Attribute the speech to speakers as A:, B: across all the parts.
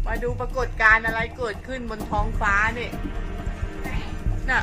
A: มาดูปรากฏการณ์อะไรเกิดขึ้นบนท้องฟ้านี่น่ะ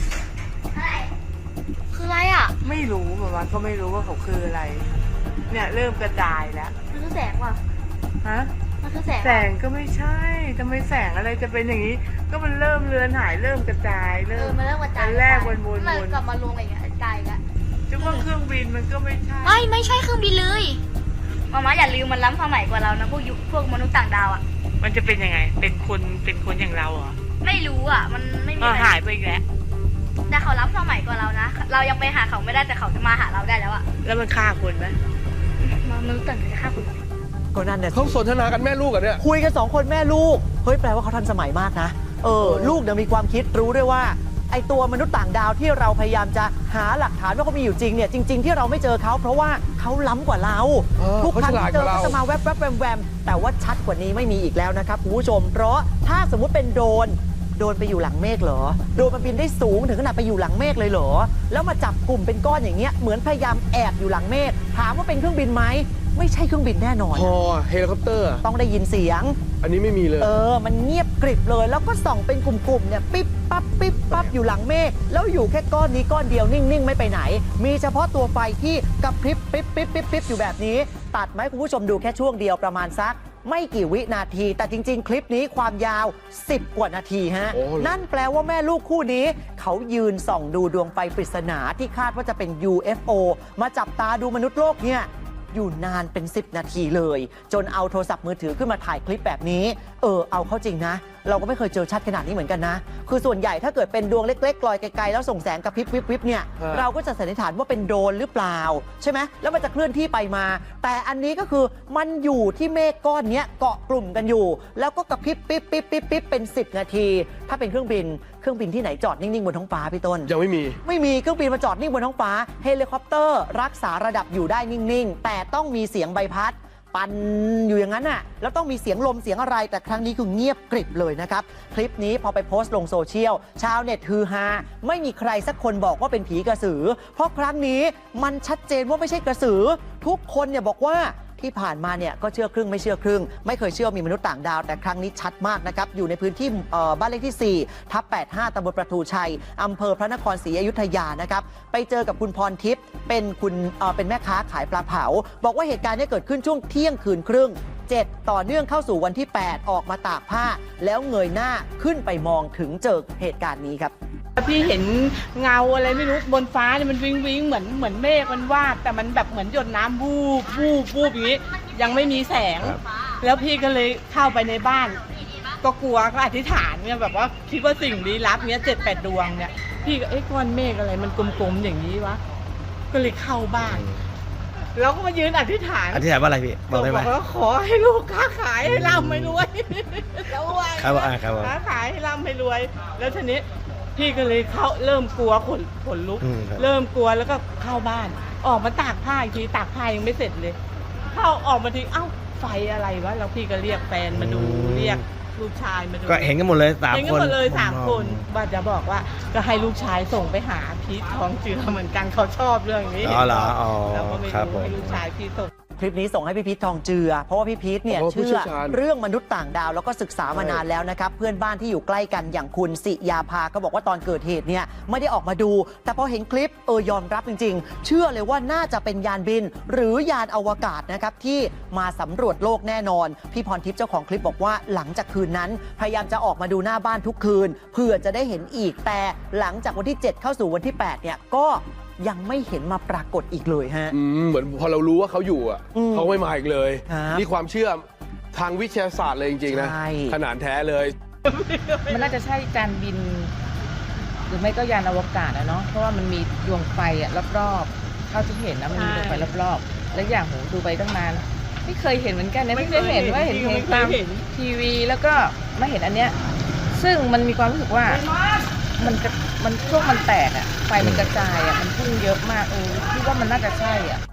B: คืออะไรอ่ะ
A: ไม่รู้เหมือนกันก็ไม่รู้ว่าเขาคืออะไร เนี่ยเริ่มกระจายแล้ว
B: มันคือแสงว่ะ
A: ฮะ
B: มันคือแสง
A: แสงก็ไม่ใช่ทำไมแสงอะไรจะเป็นอย่างนี้ ก็มันเริ่มเลือนหายเริ่มกระจาย
B: มันเริ่มกระจาย
A: อันแรกวนๆ
B: มันกลับมารวมกันอย่างเงี้ยกระจายกัน
A: จุกว่าเครื่องบินมันก็ไม่ใช่
B: ไม่ใช่เครื่องบินเลยมาอย่าลืมมันล้ำสมัยกว่าเรานะพวกมนุษย์ต่างดาวอ่ะ
A: มันจะเป็นยังไง เป็นคนอย่างเราเหรอ
B: ไม่รู้อ่ะ มันไม่มี
A: หายไปอีกแล้ว
B: แต่เขาล้ำสมัยกว่าเรานะ เรายังไปหาเขาไม่ได้แต่เขาจะมาหาเราได้แล้วอ่ะ
A: แล้วมันฆ่าคนไหม
B: มนุษย์ต่างดาวจะฆ่าคุณ
C: ก็นั่นเนี่ย
D: เขาสนทนากันแม่ลูกกันเนี่ย
C: คุยกัน2 คนแม่ลูก เฮ้ยแปลว่าเขาทันสมัยมากนะ ลูกเนี่ยมีความคิดรู้ด้วยว่าไอตัวมนุษย์ต่างดาวที่เราพยายามจะหาหลักฐานว่าเขามีอยู่จริงเนี่ยจริง ๆ ที่เราไม่เจอเขาเพราะว่าเขาล้ำกว่าเรา ทุกครั้งที่เจอก็จะมาแวบๆแวมๆแต่ว่าชัดกว่านี้ไม่มีอีกแล้วนะครับคุณผู้ชมเพราะถ้าสมมุติเป็นโดรนไปอยู่หลังเมฆเหรอโดรนมันบินได้สูงถึงขนาดไปอยู่หลังเมฆเลยเหรอแล้วมาจับกลุ่มเป็นก้อนอย่างเงี้ยเหมือนพยายามแอบอยู่หลังเมฆถามว่าเป็นเครื่องบินไหมไม่ใช่เครื่องบินแน่นอน
D: พอเฮลิคอปเตอร์
C: ต้องได้ยินเสียง
D: อันนี้ไม่มีเลย
C: มันเงียบกริบเลย แล้วก็ส่องเป็นกลุ่มๆ เนี่ยปิ๊บปั๊บอยู่หลังเมฆ แล้วอยู่แค่ก้อนนี้ก้อนเดียวนิ่งๆ ไม่ไปไหน มีเฉพาะตัวไฟที่กระพริบปิ๊บอยู่แบบนี้ ตัดไหมคุณผู้ชมดูแค่ช่วงเดียวประมาณสัก ไม่กี่วินาที แต่จริงๆ คลิปนี้ความยาว 10 กว่านาทีฮะ นั่นแปลว่าแม่ลูกคู่นี้ เขายืนส่องดูดวงไฟปริศนาที่คาดว่าจะเป็น UFO มาจับตาดูมนุษย์โลกเนี่ยอยู่นานเป็น 10 นาทีเลย จนเอาโทรศัพท์มือถือขึ้นมาถ่ายคลิปแบบนี้เอาเข้าจริงนะ เราก็ไม่เคยเจอชัดขนาดนี้เหมือนกันนะ คือส่วนใหญ่ถ้าเกิดเป็นดวงเล็กๆลอยไกลๆแล้วส่งแสงกระพริบวิบเนี่ย เราก็จะสันนิษฐานว่าเป็นโดรนหรือเปล่าใช่ไหมแล้วมันจะเคลื่อนที่ไปมา แต่อันนี้ก็คือมันอยู่ที่เมฆก้อนนี้เกาะกลุ่มกันอยู่ แล้วก็กระพริบปิ๊บเป็น 10 นาที ถ้าเป็นเครื่องบินที่ไหนจอดนิ่งๆบนท้องฟ้าพี่ต้น
D: ยังไม่มี
C: เครื่องบินมาจอดนิ่งบนท้องฟ้าเฮลิคอปเตอร์รักษาระดับอยู่ได้นิ่งๆแต่ต้องมีเสียงใบพัดปั่นอยู่อย่างนั้นน่ะแล้วต้องมีเสียงลมเสียงอะไรแต่ครั้งนี้คือเงียบกริบเลยนะครับคลิปนี้พอไปโพสต์ลงโซเชียลชาวเน็ตฮือฮาไม่มีใครสักคนบอกว่าเป็นผีกระสือเพราะครั้งนี้มันชัดเจนว่าไม่ใช่กระสือทุกคนเนี่ยบอกว่าที่ผ่านมาเนี่ยก็เชื่อครึ่งไม่เชื่อครึ่งไม่เคยเชื่อมีมนุษย์ต่างดาวแต่ครั้งนี้ชัดมากนะครับอยู่ในพื้นที่บ้านเลขที่4/85ตำบลประตูชัยอำเภอพระนครศรีอยุธยานะครับไปเจอกับคุณพรทิพย์เป็นแม่ค้าขายปลาเผาบอกว่าเหตุการณ์นี้เกิดขึ้นช่วงเที่ยงคืนครึ่ง7ต่อเนื่องเข้าสู่วันที่8ออกมาตากผ้าแล้วเงยหน้าขึ้นไปมองถึงเจอเหตุการณ์นี้ครับ
A: พี่เห็นเงาอะไรไม่รู้บนฟ้าเนี่ยมันวิงเหมือนเมฆมันวาดแต่มันแบบเหมือนหยดน้ำวูบอย่างนี้ยังไม่มีแสง แล้วพี่ก็เลยเข้าไปในบ้านก็กลัวก็อธิษฐานเนี่ยแบบว่าคิดว่าสิ่งลี้ลับเนี้ย7-8 ดวงเนี่ยพี่ก็ก้อนเมฆอะไรมันกลมๆอย่างนี้วะก็เลยเข้าบ้านแล้วก็มายืนอธิษฐาน
E: ว่าอะไรพี่บอกได้ไหม
A: บอกว่าขอให้ลูกค้าขายให้ร่ำให้รวยแล้วว่า
E: ครับ
A: ค้าขายให้ร่ำให้รวยแล้วทีนี้พี่ก็เลยเริ่มกลัวขนลุกเริ่มกลัวแล้วก็เข้าบ้านออกมาตากผ้าอีกทีตากผ้ายังไม่เสร็จเลยเข้าออกมาทีเอ้าไฟอะไรวะแล้วพี่ก็เรียกแฟนมาดูเรียกลูกชายมาดู
E: ก็เห็นกันหมดเลย3 คน
A: เห็นกันหมดเลย3 คนว่าจะบอกว่าก็ให้ลูกชายส่งไปหาพีททองเจือเหมือนกันเขาชอบเรื่องนี้
E: เหรอ
A: แล้วก็ไม่รู้ให้ลูกชายพี่ส่ง
C: คลิปนี้ส่งให้พี่พีททองเจือเพราะว่าพี่พีทเนี่ยเชื่อเรื่องมนุษย์ต่างดาวแล้วก็ศึกษามานานแล้วนะครับเพื่อนบ้านที่อยู่ใกล้กันอย่างคุณสิยาภาก็บอกว่าตอนเกิดเหตุเนี่ยไม่ได้ออกมาดูแต่พอเห็นคลิปยอมรับจริงๆเชื่อเลยว่าน่าจะเป็นยานบินหรือยานอวกาศนะครับที่มาสำรวจโลกแน่นอนพี่พรทิพย์เจ้าของคลิปบอกว่าหลังจากคืนนั้นพยายามจะออกมาดูหน้าบ้านทุกคืนเพื่อจะได้เห็นอีกแต่หลังจากวันที่7เข้าสู่วันที่8เนี่ยก็ยังไม่เห็นมาปรากฏอีกเลยฮะ
D: เหมือนพอเรารู้ว่าเขาอยู่เขาไม่มาอีกเลยนี่ความเชื่อทางวิทยาศาสตร์เลยจริงๆนะขนาดแท้เลย
F: มันน่าจะใช่การบินหรือไม่ก็ยานอวกาศนะเนาะเพราะว่ามันมีดวงไฟรอบๆเท่าที่เห็นนะมันมีดวงไฟรอบๆแล้วอย่างโหดูไปตั้งนานไม่เคยเห็นเหมือนกันนะไม่เคยเห็นว่าเห็นตามทีวีแล้วก็มาเห็นอันเนี้ยซึ่งมันมีความรู้สึกว่ามันช่วงมันแตกไฟมันกระจายมันพุ่งเยอะมากที่ว่ามันน่าจะใช่